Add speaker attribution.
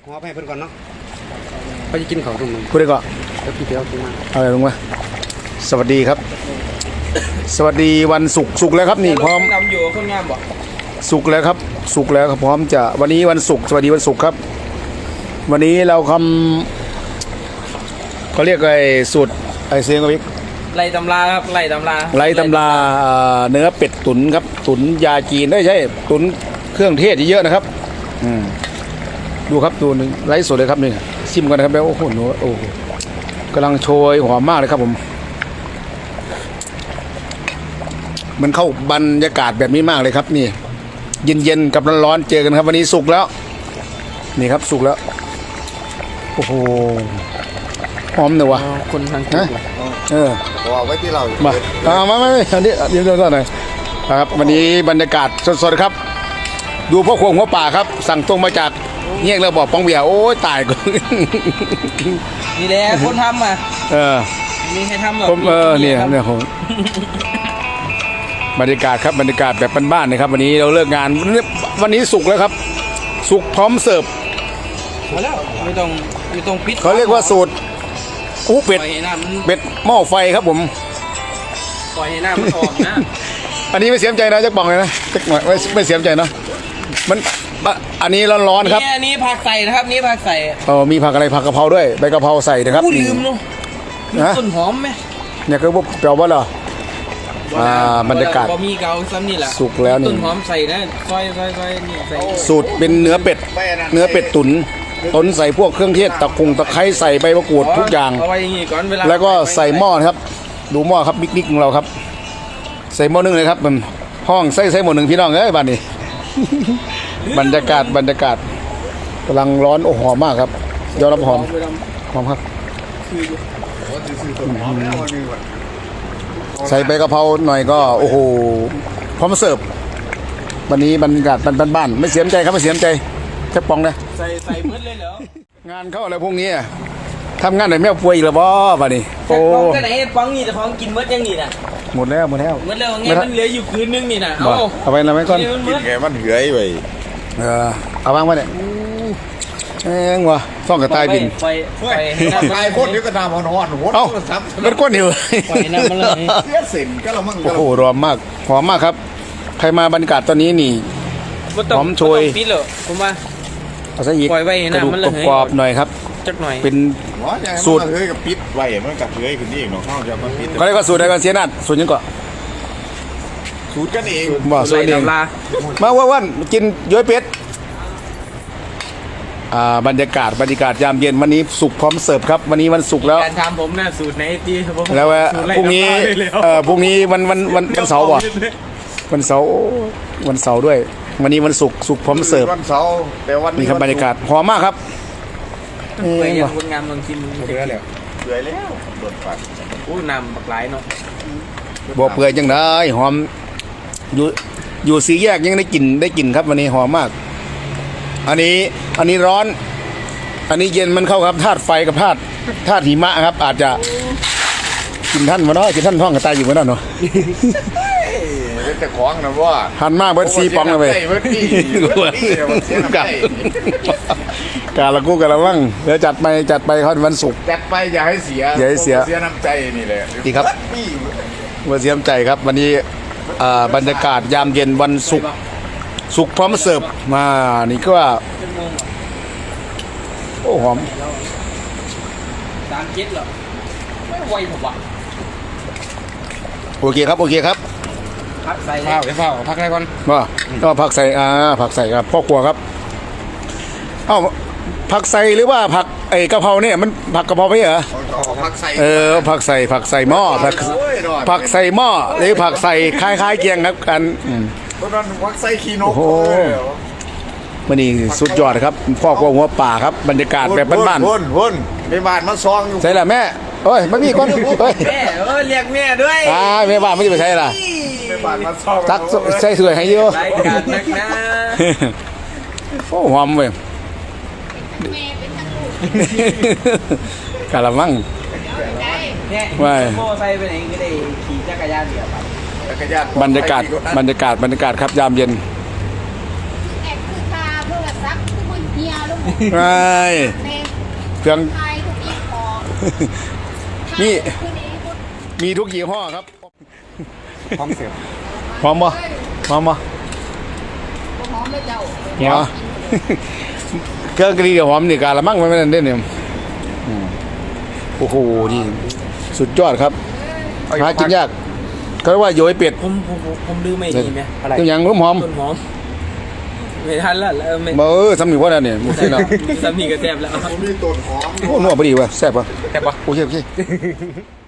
Speaker 1: อไปให้เพิ่นก่อนเนาะเขาจะกินของตรงนึง
Speaker 2: พูดได้ก่อน
Speaker 1: แล้วพี่เดียวกินมา
Speaker 2: เอาอะไรลงมาสวัสดีครับ สวัสดีวันศุกร์แล้วครับนี่พร้อม
Speaker 3: นำอยู่คนงามบ่
Speaker 2: ศุกร์แล้วครับศุกร์แล้วครับพร้อมจะวันนี้วันศุกร์สวัสดีวันศุกร์ครับ วันนี้เราทำเขาเรียกไอ้สูตรไอ้เสียงกับพี่
Speaker 3: ไล่ตำราครับไล่ตำรา
Speaker 2: ไร้ตำราเนื้อเป็ดตุ๋นครับตุ๋นยาจีนได้ใช่ตุ๋นเครื่องเทศเยอะนะครับดูครับดูหนึ่งไร้สดเลยครับนี่ชิมกันนะครับแล้วโอ้โหโอ้โหกำลังโชยหอมมากเลยครับผมมันเข้าบรรยากาศแบบนี้มากเลยครับนี่เย็นๆกับร้อนๆเจอกันครับวันนี้สุกแล้วนี่ครับสุกแล้วโอ้โหหอมเลยวะ
Speaker 3: คนทาง
Speaker 2: นะ
Speaker 1: เอาไว้ที่เรา
Speaker 2: มาไม่อันนี้เดี๋ยวก่อนหน่อยครับวันนี้บรรยากาศสดๆครับดูพ่อครัวหัวป่าครับสั่งตรงมาจากเงี้ยงแล้วบอกปองเบียร์โอ้ยตายกู
Speaker 3: นี่แหละคนทำอ่ะ มีใครทำหรอ
Speaker 2: ผมเนี่ยผมบรรยากาศครับบรรยากาศแบบบ้านๆนะครับวันนี้เราเลิกงานวันนี้สุกแล้วครับสุกพร้อมเสิร์ฟ
Speaker 3: แล้วไม่ต้องปิด
Speaker 2: เขาเรียกว่าสูตรเป็ด
Speaker 3: ปล่อยให้น้ำมัน
Speaker 2: เป็ดหม้อไฟครับผม
Speaker 3: ปล่อยให้น้ำมันออกนะ
Speaker 2: อันนี้ไม่เสียใจนะจักบอกเลยนะจักหน่อยไม่เสียใจเนาะมันอันนี้ร้อนๆครับ
Speaker 3: นี่ผักใส่นะครับนี่ผักใส่
Speaker 2: มีผักอะไรผักกะเพราด้วยใบกะเพราใส่นะครับ
Speaker 3: ลืมเนาะ
Speaker 2: ฮะ
Speaker 3: ต้นหอมไหม
Speaker 2: เนี่ยคือพวกเปรี้ยวบ่เหรอบรรยากาศ
Speaker 3: บะหมี่เกาซ้ำนี่แหละ
Speaker 2: สุกแล้วนี่
Speaker 3: ต้นหอมใส่นะซอยนี่ใส่
Speaker 2: สูตรเป็นเนื้อเป็ดตุ๋นต้นใส่พวกเครื่องเทศตะไคร้ใส่ใบมะกรูดทุกอย่าง
Speaker 3: เอาไว้อย่างงี้ก่อนเวลา
Speaker 2: แล้วก็ใส่หม้อนะครับดูหม้อครับบิ๊กๆของเราครับใส่หม้อนึ่งเลยครับมันห้องใส่หม้อหนึ่งพี่น้องเอ้ยบ้านนี้ บรรยากาศกำลังร้อนโอ้หอมมากครับยอดรับหอมครับใส่ใบกะเพราหน่อยก็โอ้โหพร้อมเสิร์ฟวันนี้บรรยากาศบ้านๆไม่เสียใจครับไม่เสียใจแค่ปองนะ
Speaker 3: ใส่เพิ่นเลยเหรอง
Speaker 2: านเข้าอะไรพวกนี้ทำงานไหนแม่ป่วยอีกแล้วบ่บ้านนี้
Speaker 3: โอ้
Speaker 2: โอ้
Speaker 3: ก็ไหนปังนี่แต่ของกินเมื่อยังนี่น่ะ
Speaker 2: หมดแล้ว
Speaker 3: เมื่อแล้วไงมันเหลืออยู่คืนนึงนี่น่ะ
Speaker 2: บ่เอาไปแล้วไหมก่อน
Speaker 1: กินไงมันเหือยไป
Speaker 2: เอาวางไว้เนี่ยแม่งวะซ่องกระต่ายบิน
Speaker 3: ไป
Speaker 1: ตายโคตรเดี๋ยวก็น้ำมันร้อนหัว
Speaker 2: เอ้ามันก้นหิว
Speaker 3: ปล่อยน้ำมันเลย
Speaker 1: เสียสินก็ละมั่ง
Speaker 2: โอ้โหร้อนมากหอมมากครับใครมาบรรยากาศตอนนี้นี่ หอมโชย
Speaker 3: ปิดเหรอผมว่า
Speaker 2: เอาซะอีก
Speaker 3: ปล่อยไว้ให้
Speaker 2: กระ
Speaker 3: น้ำ
Speaker 2: ดูก
Speaker 3: มันระเหย
Speaker 2: กรอบๆหน่อยครับ
Speaker 3: จักหน่อย
Speaker 2: เป็น สู
Speaker 1: สู
Speaker 2: ต
Speaker 1: ต
Speaker 2: ร
Speaker 1: รเฮ้ยกับปิดไว้มันกับเฮ้ยขึ้นนี่เนาะข้าวจะมาปิด
Speaker 2: เขาเรียกว่าสูตรอะไรกันเสียนัดสูตรยังก่อน
Speaker 1: สูตรกันเอง
Speaker 2: บ่สูตรเอง
Speaker 3: ลา
Speaker 2: มาวันกินย้อยเป็ดบรรยากาศยามเย็นวันนี้สุกพร้อมเสิร์ฟครับวันนี้วันศุกร์แล้ว
Speaker 3: การทำผมน่ะสูตรไหนที่ผม
Speaker 2: แล้วพรุ่งนี้พรุ่งนี้วันเสาร์ป่ะวันเสาร์ด้วย วันนี้วันศุกร์พร้อมเสิร์ฟ
Speaker 1: วันเสาร์แต่วัน
Speaker 2: นี่ครับบรรยากาศหอมมากครับ
Speaker 3: ไปยังคนงามลองชิม
Speaker 1: เหือยแล้วเหือยแล้วโดนฟัน
Speaker 3: อู้นำบักหลายเนาะ
Speaker 2: บ่เปื่อยจังได้หอมอยู่สี่แยกยังได้กลิ่นครับวันนี้หอมมาก อันนี้ร้อน อันนี้เย็นมันเข้าครับธาตุไฟกับธาตุหิมะครับ อาจจะกินท่านมาเนาะกินท่านท้องกระต่ายอยู่มาเนาะ
Speaker 1: เป็นแต่ของนะว่า
Speaker 2: หันมากเบิร์ดซีปองเลย
Speaker 1: เบิร์ดปี้เสียน้ำใจ
Speaker 2: กาละกู้กาละมั่งเดี๋ยวจัดไปเขาวันศุกร์
Speaker 1: จัดไปอย่าให้เสีย
Speaker 2: อย่าให้เสีย
Speaker 1: เสียน้ำใจนี่แหละ
Speaker 2: ดีครับ วันเสียมใจครับ วันนี้บรรยากาศยามเย็นวันศุกร์พร้อมเสิร์ฟมานี่ก็ว่าโอ้หอม
Speaker 3: 37เหรอไม่ไหวผมว่ะ
Speaker 2: โอเคครับ
Speaker 3: พักใส่
Speaker 1: ข้าวข้าวพักได้ก่อน
Speaker 2: ว่าก็ผักใส่ครับพ่อครัวครับเอ้าผักใส่หรือว่าผักไอ้กะเพราเนี่ยมันผักกะเพราไม่เหรอ
Speaker 1: พักใส่
Speaker 2: ผักใส่หม้อผักใส่หม้อหรือผักใส่คล้ายๆเกียงครับกัน
Speaker 1: เพราะนั้นพักใส่ขี้นก
Speaker 2: โอ้โหมันนี่สุดยอดครับพ่อครัวหัวป่าครับบรรยากาศแบบบ้าน
Speaker 1: วนในบ้านมาซองอยู่
Speaker 2: ๆใช่ละแม่โอ้ยไม่มีก้อนเฮ้ย
Speaker 3: แม่เรียกแม่ด้วย
Speaker 2: แม่บ้านไม่ได้ไปใช่ล่ะ
Speaker 1: ในบ้านมาซอง
Speaker 2: ตักใส่สวยให้เยอะ
Speaker 3: รายการนักนะ
Speaker 2: โอ้หอมเว้ย
Speaker 4: แม่เป็นทั้งลูก
Speaker 2: กะละมัง
Speaker 3: เนี่ย
Speaker 2: ไม่
Speaker 3: โม่ใส่ไปไหนก็ได้ขี่จักรยานเดียวครับ
Speaker 2: บรรยากาศครับยามเย็น
Speaker 4: แอบคือคาโทรศัพท์ทุกคนเฮียลูก
Speaker 2: ไอ้
Speaker 4: เมย์
Speaker 2: เครื่อง
Speaker 4: ไทยทุกยี่ห้อ
Speaker 2: นี่
Speaker 4: คืนนี้พุทธ
Speaker 2: มีทุกยี่ห้อครับ
Speaker 1: พร้อมเสียบ
Speaker 2: พร้อมบ่พร้อมบ่
Speaker 4: หอมเลยเจ้า
Speaker 2: อ๋อ เครื่องกะหรี่หอมนี่กาละมั่งมันไม่ได้เด่นเนี่ยอืมโอ้โหนี่สุดยอดครับหากินยากเขาเรียกว่าโยยเป็ด
Speaker 3: ผมลืมไม่ดีไหม
Speaker 2: ตัวอย่างหอม
Speaker 3: ต้นหอมไม่ทันแล้วไม่
Speaker 2: ๆสำนึกว่าเนี่ยหมดที่แล้ว
Speaker 3: สามีก็แซ่บแล้ว
Speaker 1: ผมมีต้นหอม
Speaker 2: โอ้นัวพอดีว่ะแซ่บป่ะ
Speaker 3: แซ่บปะ
Speaker 2: โอเค